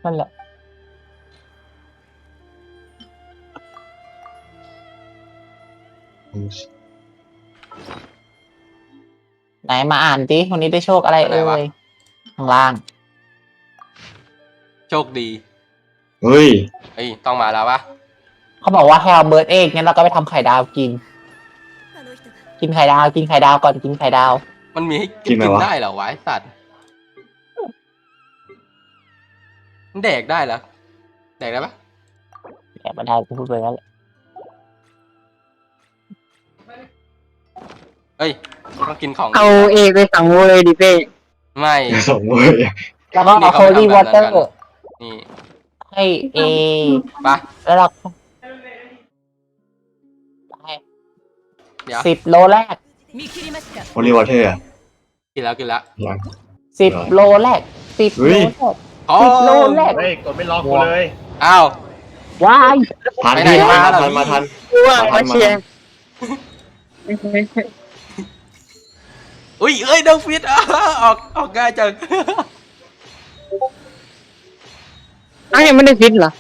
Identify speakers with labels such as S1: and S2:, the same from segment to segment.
S1: นั่นแหละไหนมาอ่านดิวันนี้ได้โชคอะไรเอ่ยข้างล่าง
S2: โชคดี
S3: เฮ้ย
S2: เฮ้ยต้องมาแล้วปะ
S1: เขาบอกว่าให้เอาเบิร์ดเอ็กงั้นเราก็ไปทำไข่ดาวกิน กินไข่ดาวกินไข่ดาวก่อนกินไข่ดาว
S2: มันมีให้
S3: กินไหมวะ
S2: ได้เหรอวะไอ้สัตว์มันแดกได้เหรอแดกได้ปะ
S1: แอบมาได้กูพูดไปแล้วแหละ
S2: เฮ้ยต้องกินของ
S4: เอาเอกไปสั่งโวเลยดิเป้
S2: ไม่
S3: ส่งเลย
S1: แล้วก็เอาโคลี่วอเตอร์
S2: นี่
S1: ให้เอ
S2: ปะ
S1: แล้วเราให้
S2: เดี๋ยว
S1: 10 โลแรก
S3: โอลิวอเทอร์
S2: กินแล้วกินแล้ว
S3: ยัง
S1: 10 โลแรก10
S3: เฮ้
S1: โล
S3: ย
S1: แรก
S2: อ๋อ
S1: 10 โลแรก
S5: เฮ้ยกดไม่ล็อกกูเลย
S2: อ้าว
S1: ว้าย
S3: ทัน
S2: ไปไหน
S3: พี่
S2: มา
S3: ทัน
S2: เหรอ
S3: ทันมาทัน
S4: ว่ามาเชียร์
S2: อุ้ยเอ้ยเดงฟิตออกง่ายจัง
S4: อ้าวยังไม่ได้ฟิตเหรอ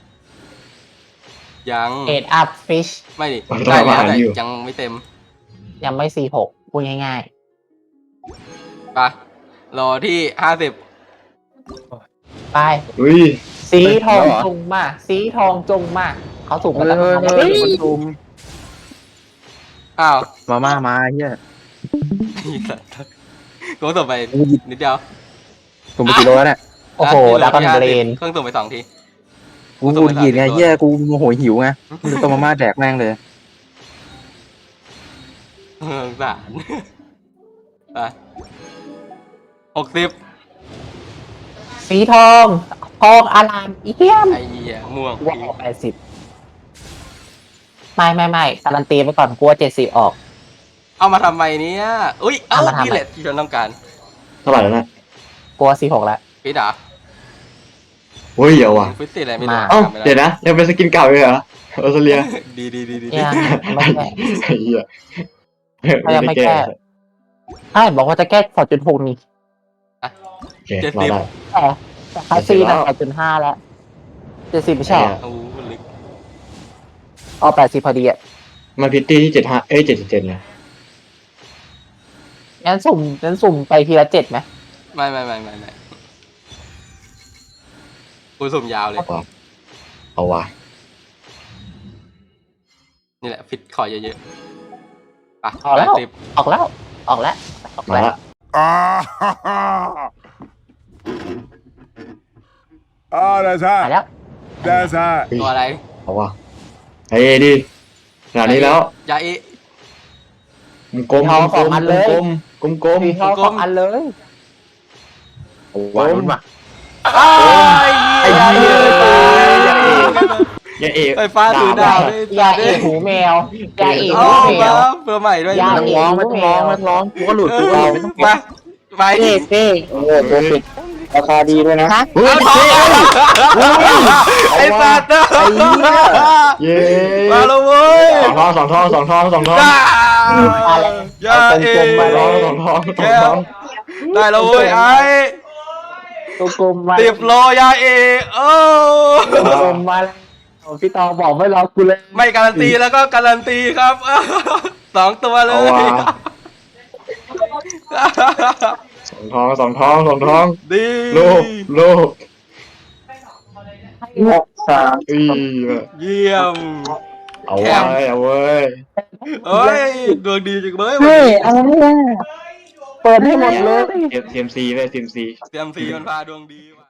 S2: ยัง
S1: เอ็ดอัพฟิช
S2: ไม่ดิได้แล้วแต่ยังไม่เต็ม
S1: ยังไม่46พูดง่าย
S2: ปะรอที่50
S1: ๆ ไป
S3: อุ้ย
S1: สีทองจงมา สีทองจงมา เขาสูงกันตั้งนานแล้ว
S4: เฮ้ย
S1: คนดูม
S2: อ้าว
S5: มาเฮีย
S2: อีสัตว์กูส่งไปนิดเดียว
S5: ผมไปกี่โลแล้วเนี่ย
S1: โอ้โหดากอนเบรน
S2: เครื่องส่งไป2 ที
S5: กูหงุดหงิดไงเฮียกูโมโหหิวไงกูเลยต้มมาม่าแดกแม่งเลย
S2: สงสารไป60
S1: สีทองทองอารามเอี่ยม
S2: ไอ้เหี้ยม่วง
S1: ว่าออก80ไม่การันตีไปก่อนกลัว70ออก
S2: เอามาทำไมเนี่ยอุ้ยเอ้า
S1: เอามาทำไม
S2: นี่แหละที่ฉันต้องการ
S3: เท่าไหร่แล้วนะ
S1: กลัว46แล้ว
S2: ฟิตเหรอ
S3: เฮ้ยเดี๋ยวว่ะ
S2: ฟิตติอะไรไม่รู้
S1: มา
S3: เอ้า
S2: จำไม่ไ
S3: เดี๋ยวนะยังเป็นสกินเก่าอยู่เหรอออสเตรเลีย
S2: ดีดีดีดี
S1: ยังไม่แก้
S3: ไอ้เหี้ย
S1: ยังไม่แก้ ใช่บอกว่าจะแก้2.6นี่
S3: โอเครอได้
S1: แต่คาซีน่ะ8.5แล้ว70ไม่ใช่เหรอ
S2: โอ้ลึก
S1: เอา80พอดีอ่ะ
S3: มันพิตตี้ที่7577นะ
S1: งั้นสุ่มไปทีละ7ไหม
S2: ไม่กูสุ่มยาวเลย
S3: เอาว่ะ
S2: นี่แหละฟิตขอเยอะๆไป
S1: ออกแล้ว
S2: 80
S1: ออกแล้วออกแล้ว
S3: มาละ
S6: that's
S1: มา
S6: hot.
S1: แล้ว
S6: That's hot.
S2: ตัวอะไร
S3: เอาว่ะเฮ้ยดิขนาดนี้แล้ว
S2: ยาเอะ
S3: กลมๆกลมๆกลม
S1: สีทอง2อันเลย
S3: ๆว้าวว่ะ
S2: ไอ้
S3: ไอ้
S2: เหี้
S3: เหี้
S2: ย
S3: ยอย่าเอะ
S2: ไฟฟ้าถือดาวด้วย
S1: ยาเอกหูแมวยาเอก
S2: เอา
S1: หูแม
S2: มาว เพื่อใหม่ด้วย
S1: ยา
S5: ไม่ต้องร้องไม่ต้องร้องไม่ต้องร้องกูก็หลุดกูก็หลุดไม่ต้อง
S2: มาไป
S4: เป้เป้โอ้โหตัวปิดราคาดีด้วยนะ
S3: เฮ้ย
S2: ไอ้สัตว์
S3: เย้
S2: มาแล้วเว้ย
S3: สองทอง
S1: อะไร
S2: ยาเอ
S3: สองทอง
S2: ได้แล้วเว้ยไอ้
S1: ตัวกลมมา
S2: 10 โลยาเอโอ้
S1: ตัวกลมมาแล้วพี่ตองบอกไม่รอกูเลย
S2: ไม่การันตีแล้วก็การันตีครับ 2 ตัวเล
S3: เอา
S2: ย
S3: ว่ะสองทอง
S2: ดี
S3: โลก
S4: 6-3
S2: เยี่ยม
S3: เอาเว้ย
S2: เอ้ยดวงดีจังเลย
S4: เฮ้ยอะไรเนี่ย
S1: เปิดให้หมดเลย
S3: เซียมซีเว้ยเซียมซี
S2: เตรียมสีมันพาดวงดีมา